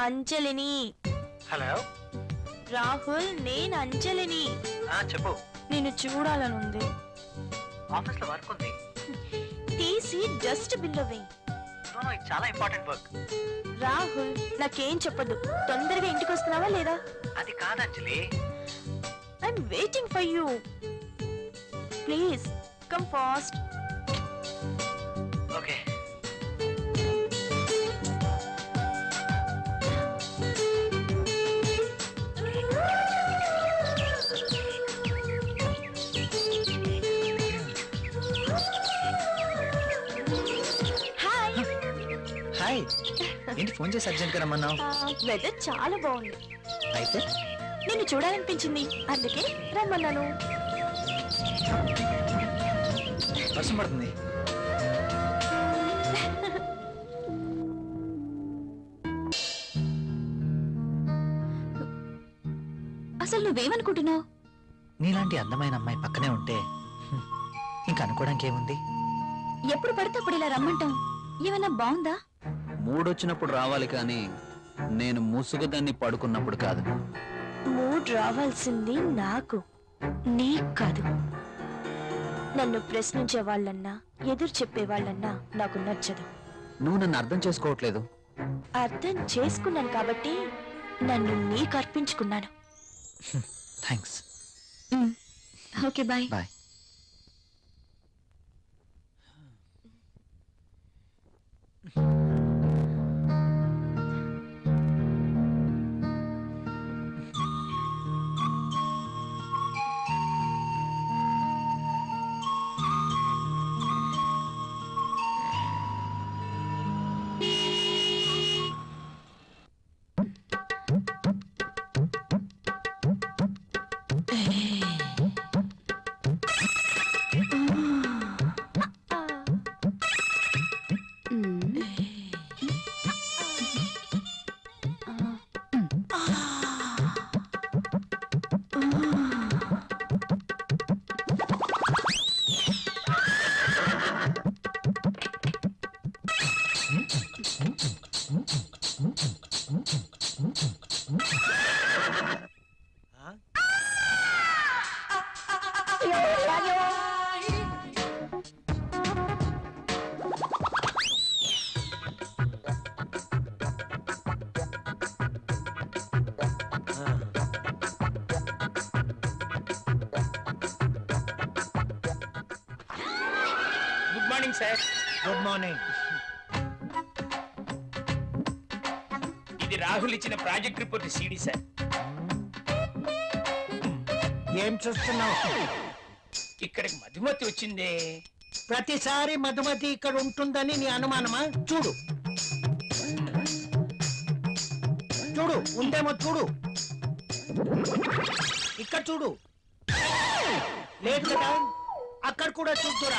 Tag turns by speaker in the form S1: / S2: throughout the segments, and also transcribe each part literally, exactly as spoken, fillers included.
S1: అంజలిని.
S2: హలో
S1: రాహుల్, నేను అంజలిని.
S2: చెప్పు.
S1: నిన్ను చూడాలనుంది.
S2: ఆఫీస్ లో వర్క్ ఉంది.
S1: తీసి డస్ట్ బిన్ లో వేయి.
S2: చాలా ఇంపార్టెంట్ వర్క్.
S1: రాహుల్, నాకేం చెప్పదు. తొందరగా ఇంటికి వస్తున్నావా లేదా?
S2: అది కాదు Anjali.
S1: I'm waiting for you. Please come fast.
S2: Okay. Hi. ఏంటి ఫోన్ చేసి అర్జెంట్ గా రమ్మన్నావు?
S1: వెదర్ చాలా బాగుంది.
S2: అయితే
S1: నిన్ను చూడాలనిపించింది, అందుకే రమ్మన్నాను.
S2: వర్షం పడుతుంది.
S1: అసలు నువ్వేమనుకుంటున్నావు?
S2: నీలాంటి అందమైన అమ్మాయి పక్కనే ఉంటే ఇంకా అనుకోవడానికి ఏముంది?
S1: ఎప్పుడు పడితే అప్పుడు ఇలా రమ్మంటాం. ఏమైనా బాగుందా?
S3: మూడొచ్చినప్పుడు రావాలి కానీ నేను ముసుగుదాన్ని పడుకున్నప్పుడు కాదు.
S1: మూడ్ రావాల్సింది నాకు, నీకు కాదు. నన్ను ప్రశ్నించే వాళ్ళన్నా ఎదురు చెప్పే వాళ్ళన్నా నాకు నచ్చదు.
S3: నువ్వు నన్ను అర్థం చేసుకోవట్లేదు.
S1: అర్థం చేసుకున్నాను కాబట్టి నన్ను నీకు అర్పించుకున్నాను.
S2: Thanks.
S1: Okay bye.
S2: Bye.
S4: Good morning sir.
S2: Good morning.
S4: ఇది రాహుల్ ఇచ్చిన ప్రాజెక్ట్ రిపోర్ట్ సీడీ సార్.
S5: ఏం చూస్తున్నావు?
S4: ఇక్కడికి మధుమతి వచ్చిందే.
S5: ప్రతిసారి మధుమతి ఇక్కడ ఉంటుందని నీ అనుమానమా? చూడు చూడు ఉందేమో చూడు. ఇక్కడ చూడు. లేదు కదా, అక్కడ కూడా చూద్దురా.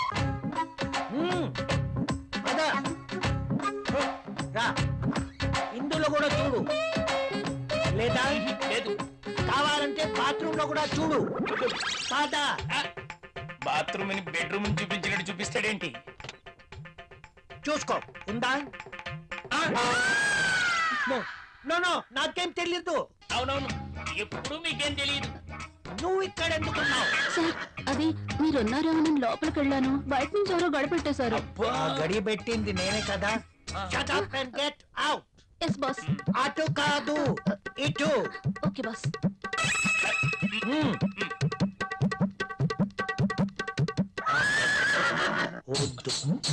S5: అదా రా, ఇందులో కూడా చూడు. లేదా
S4: లేదు.
S5: కావాలంటే బాత్రూమ్ లో కూడా చూడు. కాదా?
S4: బాత్రూమ్ ని బెడ్రూమ్ చూపించినట్టు చూపిస్తాడేంటి?
S5: చూసుకో. ఉందా? నో నో, నాకేం తెలీదు.
S4: అవునవును, ఎప్పుడు మీకేం తెలియదు.
S5: నువ్వు ఇక్కడ ఎందుకున్నావు?
S1: సార్, అది మీరున్నారేమో నేను లోపలికి వెళ్ళాను. బయట నుంచి ఎవరో గడిపెట్టేశారు.
S5: గడి పెట్టింది నేనే కదా. Shut up and get out.
S1: Yes boss.
S5: అటు కాదు, ఇటు.
S1: Okay boss.
S5: వద్దు.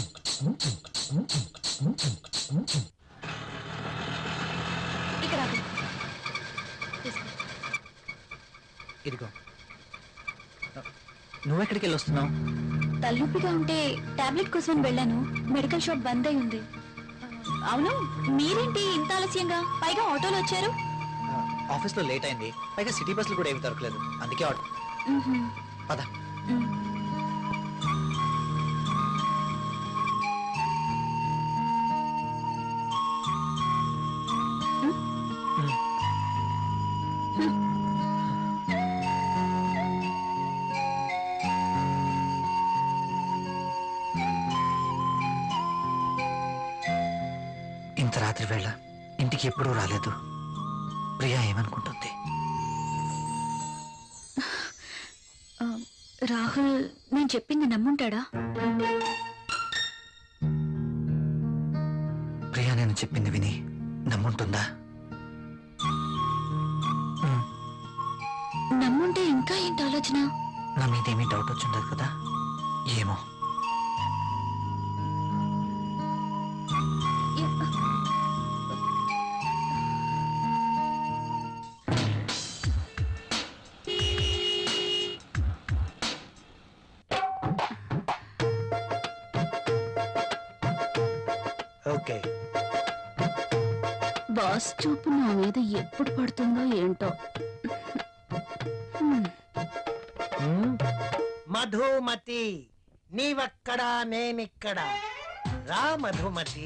S1: ఇక్కడ
S2: ఇదిగో. నువ్వెక్కడికి వెళ్ళి వస్తున్నావు?
S1: తలనొప్పిగా ఉంటే టాబ్లెట్ కోసం వెళ్ళాను. మెడికల్ షాప్ బంద్ అయి ఉంది. అవును, మీరేంటి ఇంత ఆలస్యంగా? పైగా ఆటోలో వచ్చారు.
S2: ఆఫీస్ లో లేట్ అయింది. పైగా సిటీ బస్సులు కూడా ఏమి దొరకలేదు. అందుకే ఆటో. పద. ఇంత రాత్రి వేళ ఇంటికి ఎప్పుడూ రాలేదు. ప్రియా ఏమనుకుంటుంది?
S1: ఆ, రాహుల్ నేను చెప్పింది నమ్ముంటాడా?
S2: ప్రియా నేను చెప్పింది విని నమ్ముంటుందా? ఉమ్,
S1: నమ్ముంటే ఇంకా ఏంటి ఆలోచన?
S2: నా మీదేమీ డౌట్ వచ్చిండదు కదా? ఏమో. ఓకే.
S1: బాస్ చూపు నా మీద ఎప్పుడు పడుతుందో ఏంటో. హ్మ్.
S5: ఉమ్, మధుమతి నీవక్కడా నేనిక్కడ. రా మధుమతి.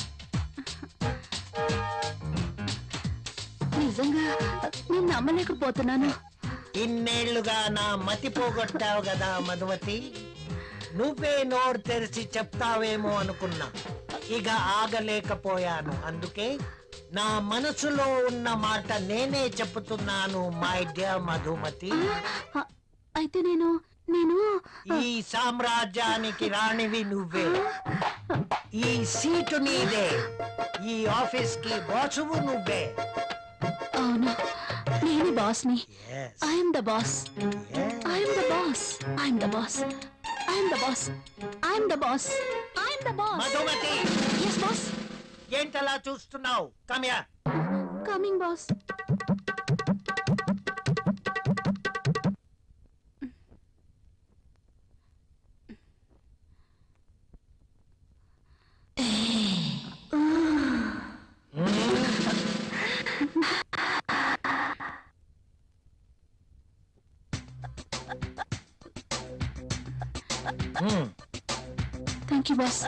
S1: నిజంగా నేను నమ్మలేకపోతున్నాను.
S5: ఇన్నేళ్లుగా నా మతి పోగొట్టావు కదా మధుమతి. నువ్వే నోరు తెరిచి చెప్తావేమో అనుకున్నా. ఇక ఆగలేకపోయాను. అందుకే నా మనసులో ఉన్న మాట నేనే చెప్తున్నాను మై డియర్ మధుమతి.
S1: ఆ, అయితే నేను నేను
S5: ఈ సామ్రాజ్యానికి రాణివి నువ్వే. ఈ సీటు నీదే. ఈ ఆఫీస్ కి బాసువు నువ్వే.
S1: అవును, నేను బాస్ని.
S5: Yes,
S1: I'm the boss.
S5: yes.
S1: I'm the boss. I'm the boss. I'm the boss. I'm the boss. I'm the boss.
S5: Madhumathi
S1: yes boss.
S5: ఏంటలా చూస్తున్నావు? కమ్యా.
S1: Coming boss. Thank you boss.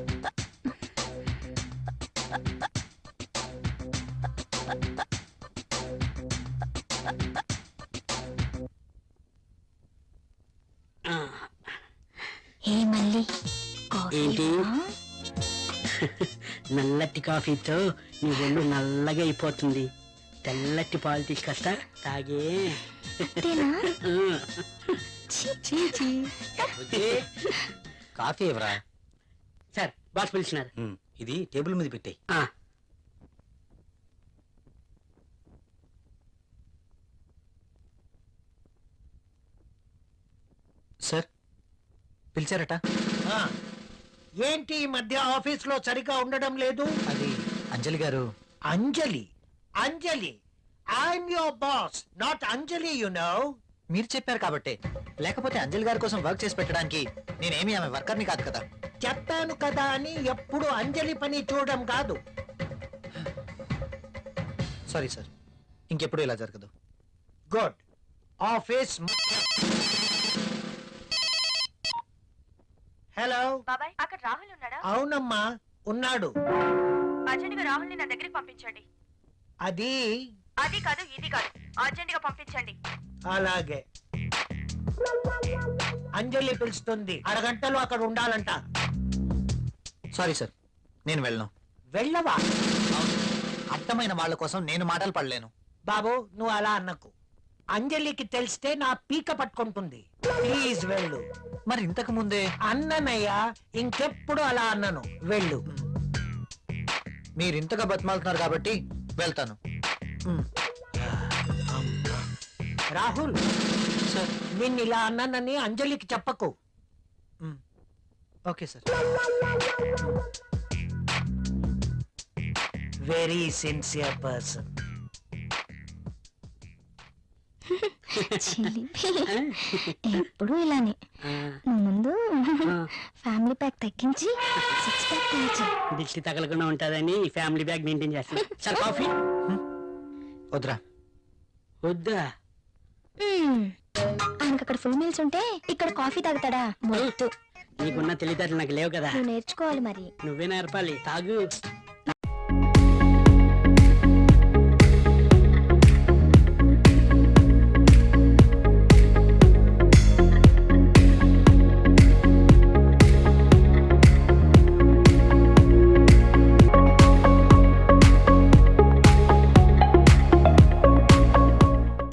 S1: ఏ మళ్ళీ
S6: ఏంటి? నల్లటి కాఫీతో నీ ఒళ్ళు నల్లగా అయిపోతుంది. తెల్లటి పాలు తీసుకొస్తా తాగే.
S3: కాఫీ ఎవరా?
S6: సార్ బాస్ పిలిచినారు.
S3: ఇది టేబుల్ మీద పెట్టాయి.
S6: ఆ,
S2: సార్ పిలిచారట?
S5: ఆ, ఏంటి ఈ మధ్య ఆఫీస్ లో సరిగా ఉండడం లేదు?
S2: అది అంజలి గారు.
S5: Anjali Anjali I'm your boss, not Anjali, you know.
S2: మీరు చెప్పారు కాబట్టి. లేకపోతే అంజలి గారి కోసం వర్క్ చేసి పెట్టడానికి నేనేమి ఆమె వర్కర్ని కాదు కదా.
S5: చెప్పాను కదా అని ఎప్పుడు అంజలి పని చూడడం కాదు.
S2: సారీ సార్, ఇంకెప్పుడు ఇలా జరగదు.
S5: గుడ్. ఆఫీస్. హలో.
S7: బాబాయ్, అక్కడ రాహుల్ ఉన్నాడా?
S5: అవునమ్మా, ఉన్నాడు.
S7: అర్జెంట్ గా రాహుల్ ని నా దగ్గరికి పంపించండి.
S5: అది
S7: అది కాదు ఇది కాదు, అర్జెంట్ గా పంపించండి.
S5: అలాగే. అంజలి పిలుస్తుంది, అరగంటలో అక్కడ ఉండాలంట.
S2: సారీ సార్, నేను వెళ్ళను.
S5: వెళ్ళవా?
S2: అర్థమైన వాళ్ళ కోసం నేను మాటలు పడలేను.
S5: బాబు నువ్వు అలా అన్నకు. అంజలికి తెలిస్తే నా పీక పట్టుకుంటుంది. ప్లీజ్ వెళ్ళు.
S2: మరి ఇంతకు ముందే
S5: అన్ననయ్యా, ఇంకెప్పుడు అలా అన్నను. వెళ్ళు.
S2: మీరు ఇంతగా బతిమాలుతున్నారు కాబట్టి వెళ్తాను. మ్.
S5: రాహుల్
S2: సార్.
S5: నిన్ను ఇలా అన్నానని అంజలికి చెప్పకు.
S2: మ్. Okay sir.
S5: Very sincere person.
S1: ఎప్పుడు ఇలానే.
S6: ఆ,
S1: నువ్వు ముందు
S6: ఆ.
S1: ఫ్యామిలీ ప్యాక్ తగ్గించి సిక్స్ ప్యాక్ తగ్గించి.
S6: దిష్టి తగలకుండా ఉంటుందని ఫ్యామిలీ బ్యాగ్ మెయింటైన్ చేస్తాను. సార్ కాఫీ
S2: వద్దురా.
S6: వద్దా?
S1: ఆయనకు అక్కడ ఫుల్ మీల్స్ ఉంటే ఇక్కడ కాఫీ తాగుతాడా? మొద్దు.
S6: నీకున్న తెలివితేటలు నాకు లేవు కదా.
S1: నువ్వు నేర్చుకోవాలి మరి.
S6: నువ్వే నేర్పాలి. తాగు.